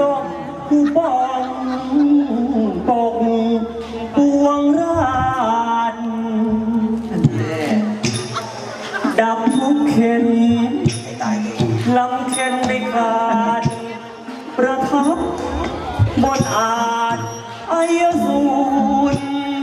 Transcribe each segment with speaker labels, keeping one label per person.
Speaker 1: กผู้บ้องตกปวงราชดับทุกเข็นลำเข็นในการประทับบนอาจอายสูร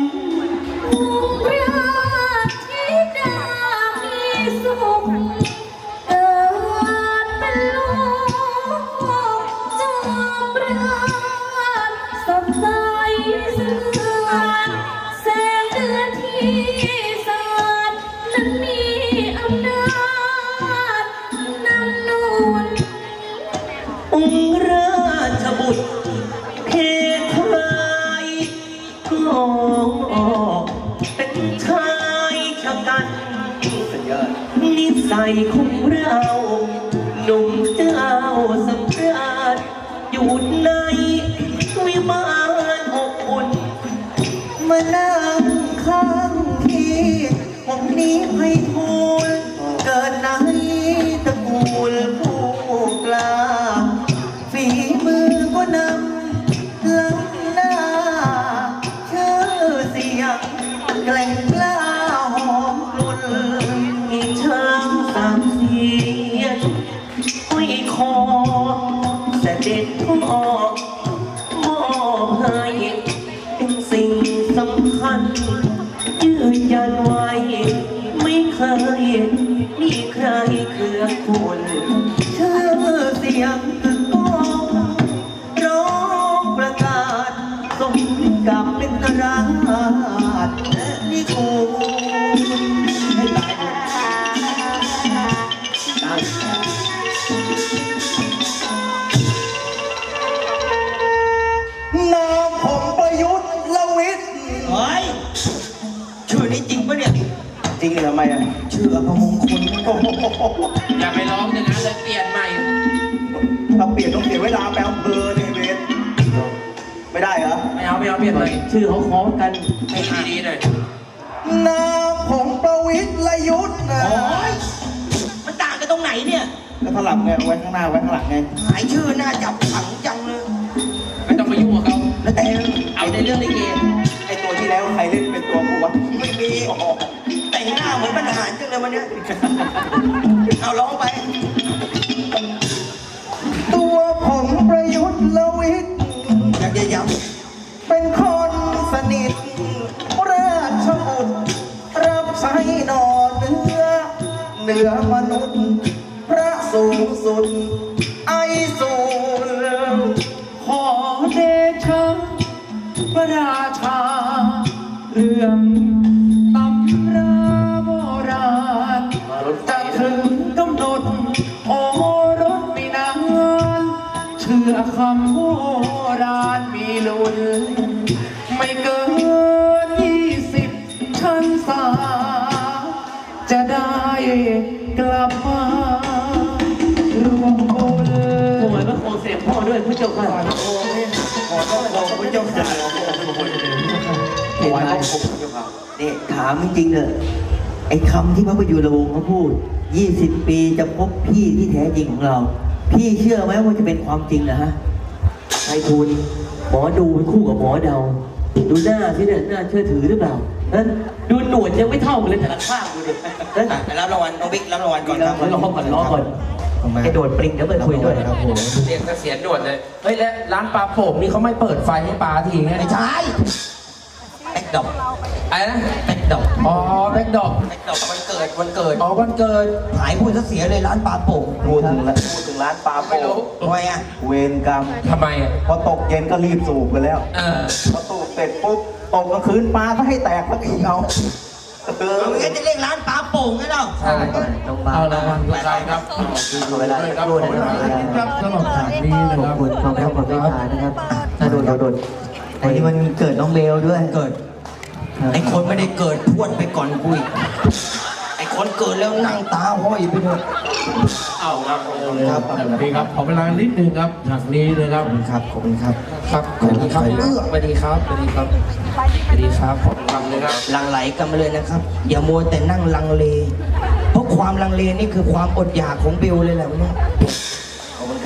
Speaker 1: นิสัยของเราหนุ่มเจ้าสำราญอยู่ในวิมานอบอุ่นมานั่งข้างที่ผมนี้ให้ทูลเกิดในตระกูลผู้กล้าฝีมือก็นำล้ำหน้าชื่อเสียงแกล่งกล้าหอมกลุ่นช้างสามเสียนห้อยคอเสด็จพ่อมอบให้เป็นสิ่งสำคัญยืนยันไว้ไม่เคยมีใครเคืองคุณชื่อเสียงก้องร้องประกาศสมกับเป็นราชนิโคให้ตายนามผมประยุทธ์ละวิทย์เฮ้ยชื่อนี้จริงปะเนี่ยจริงเลยทำไมอ่ะชื่ออภมงคล
Speaker 2: อย่าไปร้องอย่างนั้นเลยเปลี่ยนใหม่
Speaker 1: ถ้าเปลี่ยนต้องเสียเวลาแปลอำเภอในเวทไม่ได้เหรอ
Speaker 2: ไม่เอาเปลี่ยนเลย
Speaker 1: ชื่อเขาคล้องกัน
Speaker 2: ให้ดีๆหน่อย
Speaker 1: นามผมประวิทย์ละยุทธ์นะมันต่างกันตรงไหนเนี่ยแล้วถลับไงไว้ข้างหน้าไว้ข้างหลังไงหายชื่อหน้าจับขังจังเลย
Speaker 2: ไม่ต้องไปยุ่งกับเขา
Speaker 1: แล้วแต่เอาในเรื่องลิเกไอตัวที่แล้วใครเล่นเป็นตัวกูวะไม่มีแต่งหน้าเหมือนบรรหารจังเลยวันนี้เอาร้องไปตัวผมประยุทธ์ละวิทย์อยากจะย้ำเป็นคนสนิทราชบุตรรับใช้นอนเหนือมนุษย์พระสูงสุดไอสูรขอเดชะพระราชาเรื่องตำราโบราณจะถึงกำหนดโอรสไม่นานเชื่อคำโบราณมีลุ้นไม่เกิน20 ชั้นสาจะได้กลับมารวมบุญถวายพระโคเสด็จพ่อด้วยพระเจ้าค่ะขอต้องขอพระเจ้าค่ะถวายพระโคพระเจ้าค่ะนี่ถามจริงๆเนอะไอ้คำที่พระประยุรวงศ์เขาพูด20 ปีจะพบพี่ที่แท้จริงของเราพี่เชื่อไหมว่าจะเป็นความจริงนะฮะไอ้ทูลหมอดูเป็นคู่กับหมอเดาดูหน้าที่เนี่ยน่าเชื่อถือหรือเปล่าดูหนวดยังไม่เท่ากันเลยแต่ละข้างดูดิรับรางวัลน้องบิ๊กรับรางวัลก่อนครับรอก่อนไอ้โดดปริงเดี๋ยวไปคุยด้วยครับผม
Speaker 2: เรียนเสียนด่วนเลยเฮ้ยแล้วร้านปลาโป่งนี่เขาไม่เปิดไฟให้ปลาทีไง
Speaker 1: ไม่ใช่แบ็คดอก
Speaker 2: อะไรนะ
Speaker 1: แบ็คดอก
Speaker 2: อ๋อแบ็คดอก
Speaker 1: วันเกิด
Speaker 2: อ๋อวันเกิด
Speaker 1: หายพูดซะเสียเลยร้านปลาโป่งพูดถึงร้านปลาโป่งทำไมอ่ะเวรกรรม
Speaker 2: ทำไมอ่ะ
Speaker 1: พอตกเย็นก็รีบสูบกันแล้วพอสูบเสร็จปุ๊บตกกลางคืนปลาก็ให้แตกแล้วอีกเอาไม่งั้นจะเรียกร้านปลาโป่งกันหรอ
Speaker 2: ใช่เอาละวันใครครับ
Speaker 1: เวลาครับ
Speaker 2: สำหรับฉากนี้นะครับ
Speaker 1: ขอบคุณนะครับน่าโดนวันนี้มันเกิดน้องเบลด้วยเกิดไอ้คนไม่ได้เกิดพวดไปก่อนกุยไอ้คนเกิดแล้วนั่งตาห้อยไปด้วย
Speaker 2: เอาครับพี่ครับขอเวลานิดนึงครับฉากนี้นะครับ
Speaker 1: ขอบคุณครับ
Speaker 2: ครับขอบคุณครับสวัสดีครับขอบคุณครับเลยครับ
Speaker 1: ลังไหลกันมาเลยนะครับอย่ามัวแต่นั่งลังเลเพราะความลังเลนี่คือความอดอยากของเบลเลยแหละวันนี้ขอบคุณครับ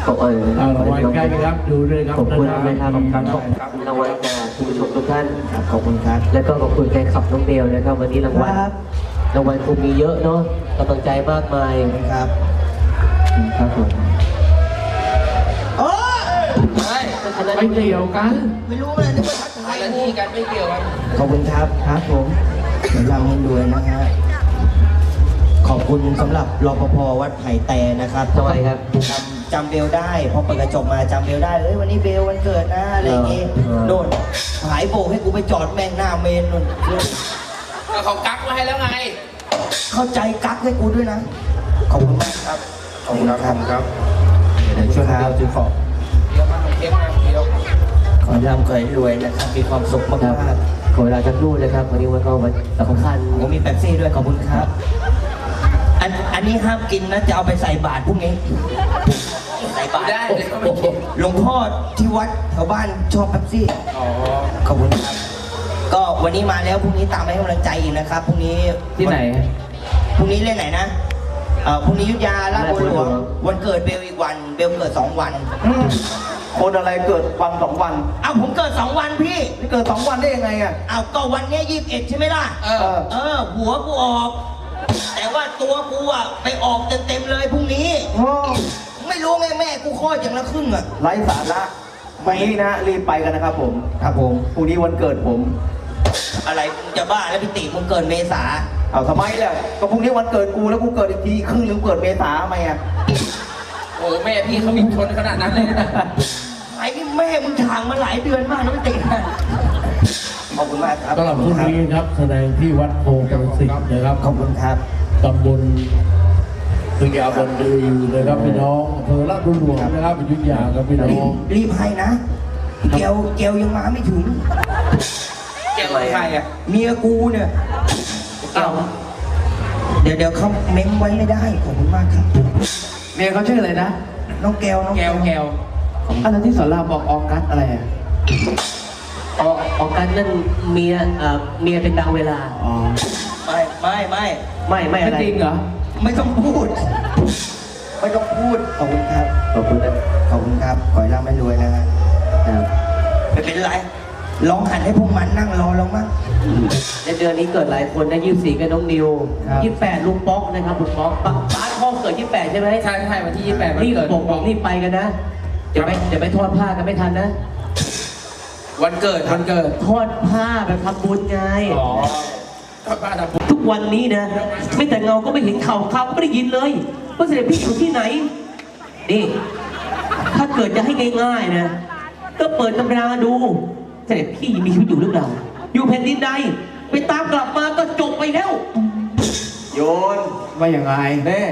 Speaker 3: ขอบคุณ
Speaker 4: รางวัลใกล้ครับดูด้วยครับ
Speaker 3: ขอบคุณนะครับ
Speaker 4: ขอบคุณครับ
Speaker 3: รางวัลจากคุณผู้ชมทุกท่าน
Speaker 1: ครับขอบคุณครับ
Speaker 3: แล้วก็ขอบคุณแฟนคลับน้องเบลนะครับวันนี้รางวัล
Speaker 1: ครับ
Speaker 3: รางวัลคงมีเยอะเนาะกำลังใจมากมาย
Speaker 1: ครับ
Speaker 3: ครับผม
Speaker 1: โอ้
Speaker 4: ไม่เกี่ยวกัน
Speaker 1: ไม่รู้เลยนึกว่าทักทาย
Speaker 2: อะไรที่กันไม่เกี่ยวกัน
Speaker 1: ขอบคุณครับครับผมเดี๋ยวรำให้ด้วยนะฮะขอบคุณสำหรับรปภวัดไผ่แต่นะครับ
Speaker 3: ทำไมครับ
Speaker 1: จำเบลได้พอเปิดกระจกมาจำเบลได้เอ้ยวันนี้เบลวันเกิดนะอะไรอย่างงี้โดนหายโบกให้กูไปจอดแม่งหน้าเมนนู่น
Speaker 2: ก็เขากักมาให้แล้วไง
Speaker 1: เข้าใจกักให้กูด้วยนะขอบคุณมากครับ
Speaker 2: ขอบคุณครับ
Speaker 1: ครับเดี๋ยวช่วยครับซื้อของ
Speaker 2: เดี๋ยวมาเก็บมาเดี๋ยว
Speaker 1: ขอให้ร่ำขอให้รวยนะครับมีความสุขมาก
Speaker 3: ครับ
Speaker 1: มาก
Speaker 3: ขอเวลาจะรู่นะครับวันนี้วันก็วันสำคัญ
Speaker 1: ผมมีแป๊บซี่ด้วยขอบคุณครับอันนี้ห้ามกินนะจะเอาไปใส่บาตรพรุ่งนี้ใส่บาตร
Speaker 2: ได้เลยก็ไม่เก็บ
Speaker 1: หลวงพ่อที่วัดแถวบ้านชอบแป๊บซี่
Speaker 2: อ๋อ
Speaker 1: ขอบคุณครับ ก็วันนี้มาแล้วพรุ่งนี้ตามให้กำลังใจอีกนะครับพรุ่งนี้
Speaker 3: ที่ไหน
Speaker 1: พรุ่งนี้เล่นไหนนะพรุ่งนี้อยุธยาลาดบัวหลวงวันเกิดเบลอีกวันเบลเกิด2 วัน
Speaker 5: คนอะไรเกิดวัน2 วัน
Speaker 1: เอาผมเกิด2 วันพี่
Speaker 5: นี่เกิด2 วันได้ยังไงอ่ะ
Speaker 1: เอาก็วันเนี้ย21ใช่ไหมล่ะ
Speaker 2: เออ
Speaker 1: หัวกูออก แต่ว่าตัวกูอะไปออกเต็มๆเลยพรุ่งนี้
Speaker 5: โอ้
Speaker 1: ไม่รู้ไงแม่กูคลอดอย่างละครึ่งอะ
Speaker 5: ไร้สาระวันนี้นะรีบไปกันนะครับผม
Speaker 1: ครับผม
Speaker 5: พรุ่งนี้วันเกิดผม
Speaker 1: อะไรมึงจะบ้าแล้วพี่ติมึงเกิดเมษา
Speaker 5: เอาทำไมล่ะก็พรุ่งนี้วันเกิดกูแล้วกูเกิดอีกทีครึ่งนึงเกิดเมษาทำไมอ่ะ
Speaker 2: โอ้แม่พี่เขามีชนขนาดนั้นเลยนะ
Speaker 1: ไอ้นี่แม่มึงทางมาหลายเดือนมากนะพี่ติขอบคุณมากครับ
Speaker 4: สำหรับพรุ่งนี้ครับแสดงที่วัดโพธิ์ประสิทธิ์นะครับ
Speaker 1: ขอบคุณครับ
Speaker 4: ตำบลพญาบันดือนะครับพี่น้องอำเภอลาดบัวหลวงนะครับอยุธยาครับพี่น้อง
Speaker 1: รีบให้นะเกลยังมาไม่ถึง
Speaker 2: เกี่ยวกับใครอ่ะ
Speaker 1: เมียกูเนี่ย
Speaker 2: เอา
Speaker 1: เดี๋ยวเขาเม้มไว้ไม่ได้ขอบคุณมากครับ
Speaker 5: เมียเขาชื่ออะไรนะ
Speaker 1: น้องแก้วน้อง
Speaker 2: แก้วแก้ว
Speaker 5: อะไรที่สอนรามบอกออกัสอะไรอ่ะ
Speaker 3: ออกกันนั่นเมียเป็นดาวเวลา
Speaker 5: อ๋อ
Speaker 1: ไม่
Speaker 3: ไม่อะไร
Speaker 5: จริงเหรอ
Speaker 1: ไม่ต้องพูด ไม่ต้องพูดขอบคุณครับ
Speaker 3: ขอบคุณนะ
Speaker 1: ขอบคุณครับขอให้ร่ำให้รวยนะฮะ
Speaker 3: ครับ
Speaker 1: ไม่เป็นไรลองหันให้พวกมันนั่งรอลงมั้ง
Speaker 3: ในเดือนนี้เกิดหลายคนนะ24กับน้องนิว
Speaker 1: ครับ
Speaker 3: 28ลุงป๊อกนะครับลุงป๊อกป้าพ่อเกิด28ใช่ไหม
Speaker 2: ใช่ใช่วันที่28วัน
Speaker 3: รีบ
Speaker 2: เกิด
Speaker 3: บอกรีบไปกันนะเดี๋ยวไปทอดผ้ากันไม่ทันนะ
Speaker 2: วันเกิดวันเกิด
Speaker 3: ทอดผ้าแบบทำบุญไง
Speaker 2: อ๋อก็บ้านทำบุญ
Speaker 3: ทุกวันนี้นะไม่แต่เงาก็ไม่เห็นข่าวข่าวก็ไม่ได้ยินเลยว่าเสด็จพี่อยู่ที่ไหนนี่ถ้าเกิดจะให้ง่ายๆนะก็เปิดตำราดูเสด็จพี่มีชีวิตอยู่หรือเปล่าอยู่แผ่นดินใดไปตามกลับมาก็จบไปแล้ว
Speaker 5: โยนว่าอย่างไงแน่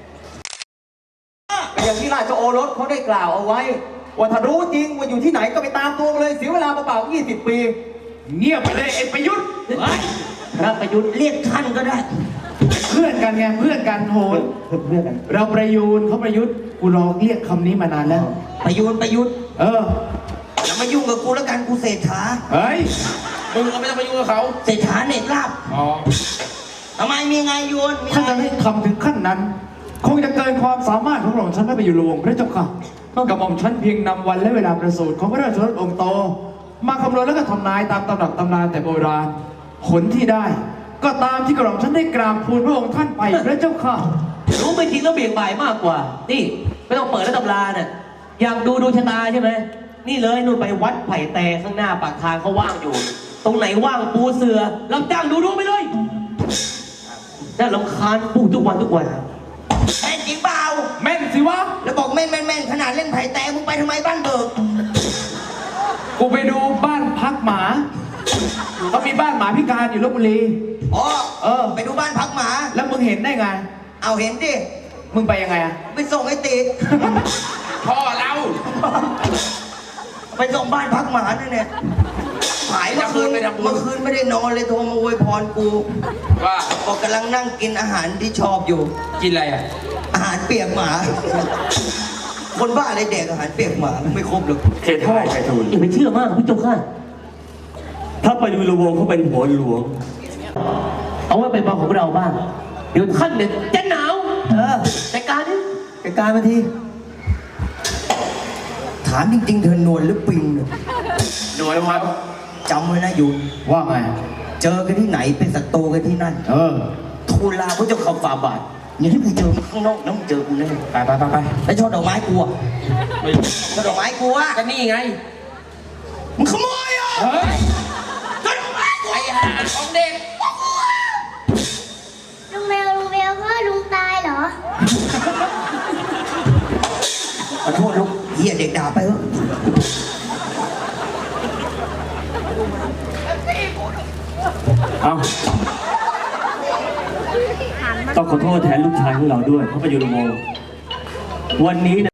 Speaker 5: อย่างที่ราชโอรสเขาได้กล่าวเอาไว้ว่าถ้ารู้จริงว่าอยู่ที่ไหนก็ไปตามตัวมาเลยเสียเวลาเปล่าๆ20 ปี เงียบไปเลยไอ้ประยุทธ์
Speaker 3: พระประยุทธ์
Speaker 1: เรียกท่านก็ได้
Speaker 6: เพื่อนกันไงเพื่อนกันโหน
Speaker 5: เพื่อนกัน
Speaker 6: เราประยูนเขาประยุทธ์กูรอเรียกคำนี้มานานแล้ว
Speaker 1: ประยุทธ์
Speaker 6: เออ
Speaker 1: อย่ามายุ่งกับกูแล้วกันกูเศรษฐา
Speaker 6: เฮ้ย
Speaker 2: มึงก็ไม่ต้องไปยุ่งกับเขา
Speaker 1: เศรษฐาเน็ตลาบ
Speaker 2: อ๋อ
Speaker 1: ทำไมมีไงโยนมี
Speaker 6: ถ้า
Speaker 1: ไง
Speaker 6: จะให้ทำถึงขั้นนั้น คงจะเกินความสามารถของหม่อมฉันไม่ไปอยู่หลวงพระเจ้าค่ะกับหม่อมฉันเพียงนำวันและเวลาประสูติของพระราชรถองค์โต มาคำนวณแล้วก็ทำนายตามตำรับตำนานแต่โบราณผลที่ได้ ก็ตามที่กระหม่อมฉันได้กราบทูลพระองค์ท่านไปพระเจ้าค่ะ
Speaker 3: รู้ไม่จริงแล้วเบี่ยงบ่ายมากกว่า นี่ไม่ต้องเปิดแล้วตำราน่ะอยากดูดวงชะตาใช่ไหมนี่เลยนู่นไปวัดไผ่แตข้างหน้าปากทางเขาว่างอยู่ ตรงไหนว่างปูเสือรับจ้างดูดวงไปเลยน่ารำคาญปูทุกวัน
Speaker 1: แม่นจริงเปล่า
Speaker 6: แม่นสิวะ
Speaker 1: แล้วบอกแม่นขนาดเล่นไผ่แต่มึงไปทำไมบ้านเบิก
Speaker 6: กูไปดูบ้านพักหมาเขามีบ้านหมาพิการอยู่ลบบุรี
Speaker 1: อ๋อ
Speaker 6: เออ
Speaker 1: ไปดูบ้านพักหมา
Speaker 6: แล้วมึงเห็นได้ไง
Speaker 1: เอาเห็นดิ
Speaker 6: มึงไปยังไงอะ
Speaker 1: ไปส่งไอ้ติ
Speaker 2: พ่อเรา
Speaker 1: ไปส่งบ้านพักหมานั่นเนี่ยหายเมื่อคืนไม่ได้นอนเลยโทรมาอวยพรกู
Speaker 2: ว่า
Speaker 1: บอกกำลังนั่งกินอาหารที่ชอบอยู่
Speaker 2: กินอะไรอ่ะ
Speaker 1: อาหารเปียกหมา คนบ้าอะไรแดกอาหารเปียกหมาไม่ครบหรอก
Speaker 5: เขตพ่อไททูล
Speaker 3: อย่าไปเชื่อมากพี่เจ้าค่ะ
Speaker 5: ถ้าไปดูระวงเขาเป็นหัวหลวง
Speaker 3: เอาไว้เป็นเบาของเราบ้างเดี๋ยวท่านเนี่ยจะหนาวจัดการนี่
Speaker 1: จัดการมาทีามจริงๆเธอนวลหรือปิงเนี่ย
Speaker 6: หน่วยครับ
Speaker 1: จำไว้นะยุน
Speaker 6: ว่าไง
Speaker 1: เจอกันที่ไหนเป็นศัตรูกันที่นั่น ทูลลาพระเจ้าข่าฝ่าบาทอย่างที่กูเจอข้างนอกนะมึงเจอกูแน่
Speaker 2: ไปไปไปไป
Speaker 1: แล้วช่อดอกไม้กูอะช่อดอกไม้กูอะ
Speaker 2: ก็นี่ไง
Speaker 1: มึงขโมยอ่ะ
Speaker 2: ไอ้ห่าของเด็ก
Speaker 7: ลุงเบลพ่อลุงตายเหรอ
Speaker 1: ขอโทษลูกเหี้ยเด็กด่าไปเถอะ
Speaker 3: เอาต้องขอโทษแทนลูกชายของเราด้วยเพราะไปอยู่โรงวันนี้นะ